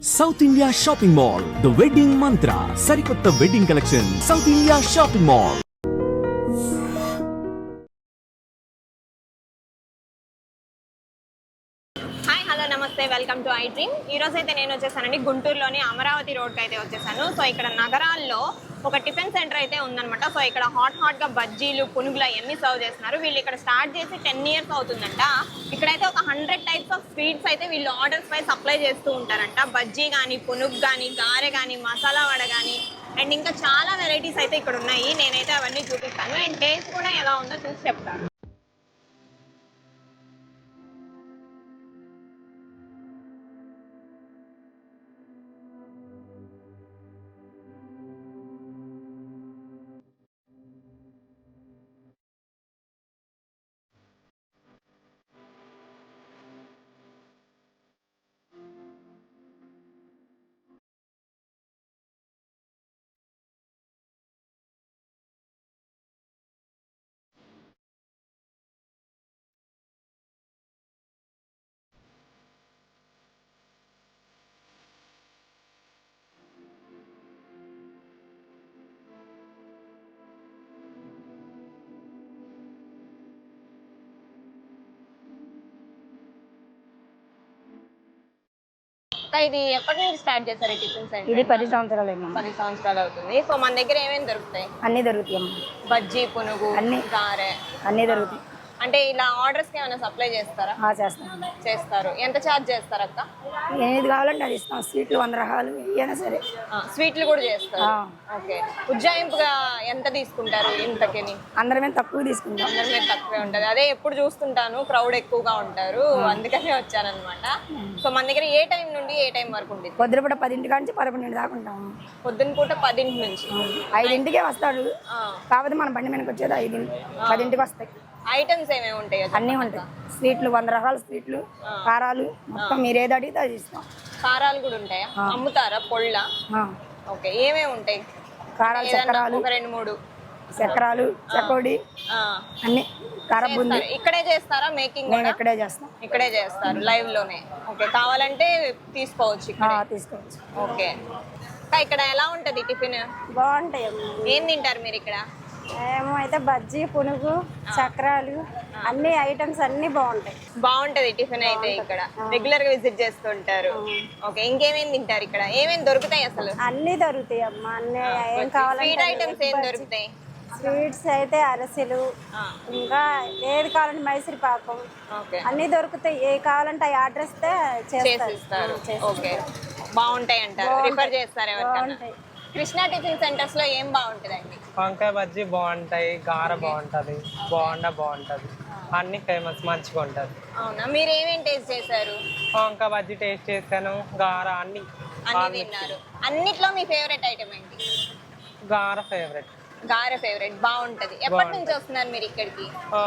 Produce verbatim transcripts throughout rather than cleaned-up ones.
South India shopping mall the wedding mantra సరికొత్త wedding collection south India shopping mall. Hi hello నమస్తే welcome to I dream. ఈ రోజు అయితే నేను వచ్చేసానండి గుంటూరులోని అమరావతి రోడ్కి అయితే వచ్చేసాను. సో ఇక్కడ నగరాల్లో ఒక టిఫిన్ సెంటర్ అయితే ఉందన్నమాట. సో ఇక్కడ హాట్ హాట్ గా బజ్జీలు పునుగులు అవన్నీ సర్వ్ చేస్తున్నారు. వీళ్ళు ఇక్కడ స్టార్ట్ చేసి టెన్ ఇయర్స్ అవుతుందంట. ఇక్కడైతే ఒక హండ్రెడ్ టైప్స్ ఆఫ్ స్వీట్స్ అయితే వీళ్ళు ఆర్డర్స్ పై సప్లై చేస్తూ ఉంటారంట. బజ్జీ కానీ పునుగు కానీ గారె కానీ మసాలా వడ కానీ అండ్ ఇంకా చాలా వెరైటీస్ అయితే ఇక్కడ ఉన్నాయి. నేనైతే అవన్నీ చూపిస్తాను అండ్ టేస్ట్ కూడా ఎలా ఉందో చూసి చెప్తాను. ఇది ఎప్పటి నుంచి స్టార్ట్ చేస్తారు టిఫిన్ సెంటర్? ఇది పది సంవత్సరాలు పది సంవత్సరాలు అవుతుంది. సో మన దగ్గర ఏమేమి దొరుకుతాయి? అన్ని దొరుకుతాయి అమ్మ. బజ్జీ పునుగు అన్ని గారె అన్ని దొరుకుతాయి. అంటే ఇలా ఆర్డర్స్ కి ఏమైనా సప్లై చేస్తారా? చేస్తాం. చేస్తారు. ఎంత ఛార్జ్ చేస్తారు అక్క? ఏది కావాలంటే అది ఇస్తాం. స్వీట్లు వంద రకాలు ఏమైనా సరే. స్వీట్లు కూడా చేస్తారు. ఓకే. ఉజ్జాయింపుగా ఎంత తీసుకుంటారు ఇంతకని? అందరమే తక్కువ తీసుకుంటాం. అందరమే తక్కువే ఉంటది. అదే ఎప్పుడు చూస్తుంటాను క్రౌడ్ ఎక్కువగా ఉంటారు, అందుకనే వచ్చానన్నమాట. సో మన దగ్గర ఏ టైం నుండి ఏ టైం వరకు ఉంటుంది? పొద్దున పూట పదింటి నుంచి పదకొండింటి దాకా ఉంటాం. పొద్దున పూట పదింటి నుంచి ఐదింటికే వస్తాడు. కాకపోతే మన బండి మీదకి వచ్చేది ఐదింటి పదింటికి వస్తాయి. ఐటమ్స్ ఏమేమి ఉంటాయి? అన్నీ ఉంటాయి. స్వీట్లు వంద రకాల స్వీట్లు, కారాలు మొత్తం మీరు ఏది అడిగితే అది ఇస్తాం. కారాలు కూడా ఉంటాయా? అమ్ముతారా పొళ్ళ? ఓకే. ఏమేమి ఉంటాయి? కారాలు చక్రాలు ఒక రెండు మూడు చక్రాలు చకోడి అన్ని కారబుంది. ఇక్కడే చేస్తారా మేకింగ్? మేము ఇక్కడే చేస్తాం. ఇక్కడే చేస్తారు లైవ్ లోనే. ఓకే. కావాలంటే తీసుకోవచ్చు ఇక్కడ. తీసుకోవచ్చు. ఓకే. ఇక్కడ ఎలా ఉంటది టిఫిన్? బాగుంటాయి. ఏం తింటారు మీరు ఇక్కడ? ఏమో అయితే బజ్జీ పునుగు చక్రాలు అన్ని ఐటమ్స్ అన్ని బాగుంటాయి. బాగుంటది టిఫిన్ అయితే ఇక్కడ రెగ్యులర్ గా విజిట్ చేస్తుంటారు. ఓకే. ఇంకేమేమి తింటారు ఇక్కడ? ఏమేమి దొరుకుతాయి అసలు? అన్ని దొరుకుతాయి అమ్మ. అన్ని ఏం కావాలంటే స్వీట్ ఐటమ్స్ ఏం దొరుకుతాయి? స్వీట్స్ అయితే అరసెలు, ఇంకా ఏది కావాలంటే మైసూర్ పాకం అన్ని దొరుకుతాయి. ఏ కావాలంటే ఆ ఆర్డర్ ఇస్తే చేసిస్తారు. ఓకే. బాగుంటాయి అంటారు. రిఫర్ చేస్తారు ఎవరికైనా? కృష్ణా టిఫిన్ సెంటర్స్ లో ఏం బాగుంటదండి? వంకాయ బజ్జీ బాగుంటాయి, గార బాగుంటది, బోండా బాగుంటది, అన్ని ఫేమస్ మంచిగా ఉంటది. అవునా? మీరు ఏమేం టేస్ట్ చేశారు? వంకాయ బజ్జీ టేస్ట్ చేశాను, గార అన్ని అన్ని తిన్నారు. అన్నిట్లో మీ ఫేవరెట్ ఐటమ్ ఏంటి? గార ఫేవరెట్. గారె ఫేవరెట్. బాగుంటది. ఎప్పటి నుంచి వస్తున్నారు మీరు ఇక్కడికి?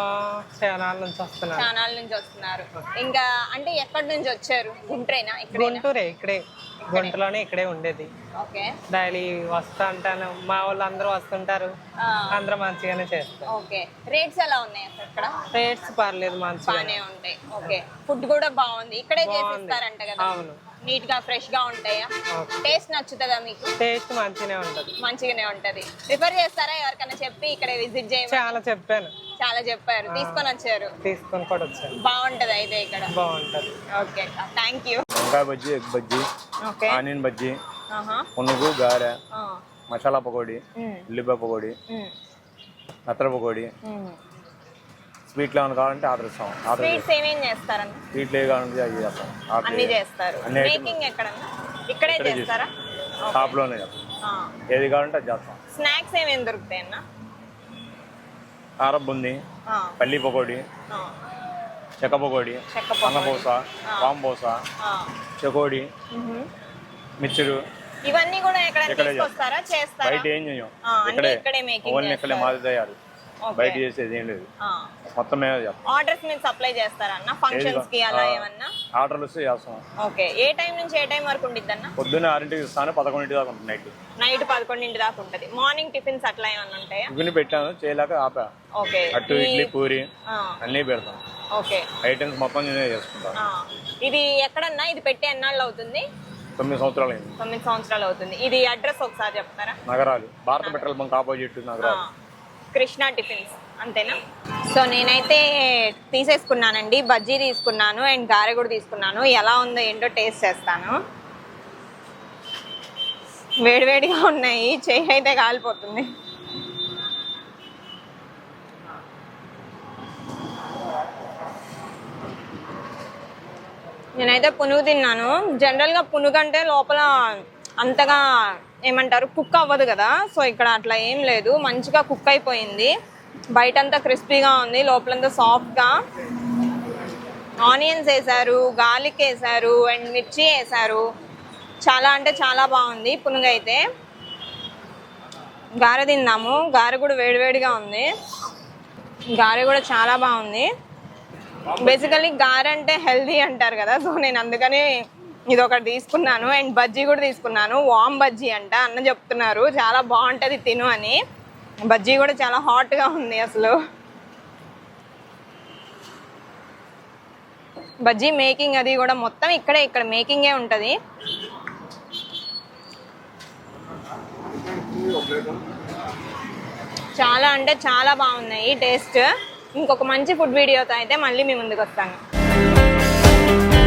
చానాల నుంచి వస్తున్నారు. చానాల నుంచి వస్తున్నారు. ఇంకా అంటే ఎక్కడి నుంచి వచ్చారు? గుంటూరేనా? గుంటూరే, ఇక్కడే గుంటూరులోనే ఇక్కడే ఉండేది. ఓకే. డైలీ వస్తా ఉంటాను, మా వాళ్ళు అందరూ వస్తుంటారు, అందరూ మంచిగానే చేస్తారు. ఓకే. రేట్స్ ఎలా ఉన్నాయి అసలు ఇక్కడ? రేట్స్ పర్లేదు, మంచిగానే ఉంటాయి. ఓకే. ఫుడ్ కూడా బాగుంది. ఇక్కడే చేసిస్తారంట కదా? అవును. నీట్ గా ఫ్రెష్ గా ఉంటాయా? టేస్ట్ నచ్చుతుందా మీకు? టేస్ట్ మంచిగానే ఉంటది. మంచిగానే ఉంటది. రిఫర్ చేస్తారా ఎవరికైనా చెప్పి ఇక్కడ విజిట్ చేయండి? చాలా చెప్పాను. చాలా చెప్పారు. తీసుకొని వచ్చారు? తీసుకొని కూడా వచ్చాను. బాగుంటది అయితే ఇక్కడ? బాగుంటది. ఓకే. Thank you. వంకాయ బజ్జీ, ఎగ్ బజ్జీ, ఆనియన్ బజ్జీ, పునుగు, గారె, మసాలా పకోడీ, ఉల్లిపాయ పకోడీ, నత్తర పకోడీ, స్వీట్లు ఏమైనా కావాలంటే ఆర్డర్ ఇస్తాం. స్వీట్స్ ఏమేం చేస్తారన్న? స్వీట్లు ఏ కావాలంటే అవి చేస్తాం. అన్ని చేస్తారు. మేకింగ్ ఎక్కడన్నా? ఇక్కడే చేస్తారా? షాప్ లోనే చేస్తాం. ఏది కావాలంటే అది చేస్తాం. స్నాక్స్ ఏమేమి దొరుకుతాయి అన్న? కార బుంది, పల్లి పకోడీ, చెక్క పకోడీ, అన్నపూస, పాంబూస, చెకోడి, మిక్చరు, ఇవన్నీ కూడా ఎక్కడ తీసుకొస్తారా? చేస్తారా? బయట ఏం చేయం. ఇక్కడే ఓన్లీ ఇక్కడే మాది తయారు. బయట చేసేది ఏం లేదు. మొత్తం మేమే చేస్తాం. ఆర్డర్స్ మీరు సప్లై చేస్తారా అన్న? ఫంక్షన్స్ కి అలా ఏమన్నా ఆర్డర్లు వస్తే చేస్తాం. ఓకే. ఏ టైం నుంచి ఏ టైం వరకు ఉండిద్ది అన్న? పొద్దున్న ఆరింటికి ఇస్తాను, పదకొండింటి దాకా ఉంటుంది. నైట్ నైట్ పదకొండింటి దాకా ఉంటుంది. మార్నింగ్ టిఫిన్స్ అట్లా ఏమన్నా ఉంటాయా? టిఫిన్ పెట్టాను, చేయలేక ఆపా. ఓకే. అట్టు, ఇడ్లీ, పూరి అన్నీ పెడతాం. ఓకే. ఐటమ్స్ మొత్తం నేనే చేసుకుంటాను. ఇది ఎక్కడన్నా ఇది పెట్టి ఎన్నాళ్ళు అవుతుంది? తొమ్మిది సంవత్సరాలు అయింది. తొమ్మిది సంవత్సరాలు అవుతుంది. ఇది అడ్రస్ ఒకసారి చెప్తారా? నగరాలు, భారత పెట్రోల్ బంక్ ఆపోజిట్ నగరాలు. కృష్ణా టిఫిన్స్ అంతేనా? సో నేనైతే తీసేసుకున్నానండి, బజ్జీ తీసుకున్నాను అండ్ గారె కూడా తీసుకున్నాను. ఎలా ఉందో ఏంటో టేస్ట్ చేస్తాను. వేడివేడిగా ఉన్నాయి, చెయ్యి అయితే కాలిపోతుంది. నేనైతే పునుగు తిన్నాను. జనరల్గా పునుగు అంటే లోపల అంతగా ఏమంటారు కుక్ అవ్వదు కదా, సో ఇక్కడ అట్లా ఏం లేదు, మంచిగా కుక్ అయిపోయింది. బయటంతా క్రిస్పీగా ఉంది, లోపలంతా సాఫ్ట్గా. ఆనియన్స్ వేసారు, గార్లిక్ వేసారు అండ్ మిర్చి వేసారు. చాలా అంటే చాలా బాగుంది పునుగు అయితే. గారె తిన్నాము, గారె కూడా వేడివేడిగా ఉంది. గారె కూడా చాలా బాగుంది. బేసికలీ గారె అంటే హెల్దీ అంటారు కదా, సో నేను అందుకని ఇది ఒకటి తీసుకున్నాను. అండ్ బజ్జీ కూడా తీసుకున్నాను, వామ్ బజ్జీ అంట. అన్న చెప్తున్నారు చాలా బాగుంటుంది తిను అని. బజ్జీ కూడా చాలా హాట్గా ఉంది అసలు. బజ్జీ మేకింగ్ అది కూడా మొత్తం ఇక్కడే, ఇక్కడ మేకింగే ఉంటుంది. చాలా అంటే చాలా బాగున్నాయి టేస్ట్. ఇంకొక మంచి ఫుడ్ వీడియోతో అయితే మళ్ళీ మీ ముందుకు వస్తాను.